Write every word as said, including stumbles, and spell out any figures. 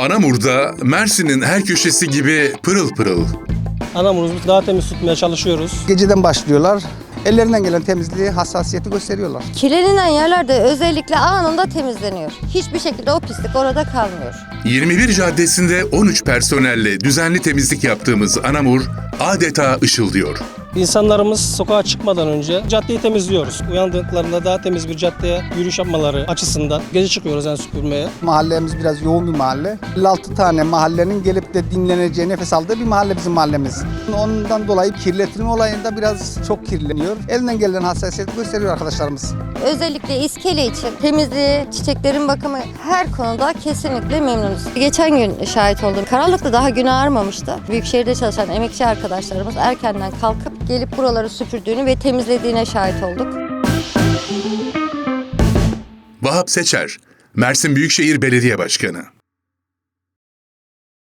Anamur'da Mersin'in her köşesi gibi pırıl pırıl. Anamur'umuzu daha temiz tutmaya çalışıyoruz. Geceden başlıyorlar. Ellerinden gelen temizliği, hassasiyeti gösteriyorlar. Kirlenilen yerlerde özellikle anında temizleniyor. Hiçbir şekilde o pislik orada kalmıyor. yirmi bir caddesinde on üç personelle düzenli temizlik yaptığımız Anamur adeta ışıldıyor. İnsanlarımız sokağa çıkmadan önce caddeyi temizliyoruz. Uyandıklarında daha temiz bir caddeye yürüyüş yapmaları açısından gece çıkıyoruz yani süpürmeye. Mahallemiz biraz yoğun bir mahalle. elli altı tane mahallenin gelip de dinleneceği, nefes aldığı bir mahalle bizim mahallemiz. Ondan dolayı kirletilme olayında biraz çok kirleniyor. Elinden gelen hassasiyeti gösteriyor arkadaşlarımız. Özellikle iskele için temizliği, çiçeklerin bakımı her konuda kesinlikle memnunuz. Geçen gün şahit oldum. Karanlıkta daha gün ağarmamıştı. Büyükşehir'de çalışan emekçi arkadaşlarımız erkenden kalkıp gelip buraları süpürdüğünü ve temizlediğine şahit olduk. Vahap Seçer, Mersin Büyükşehir Belediye Başkanı.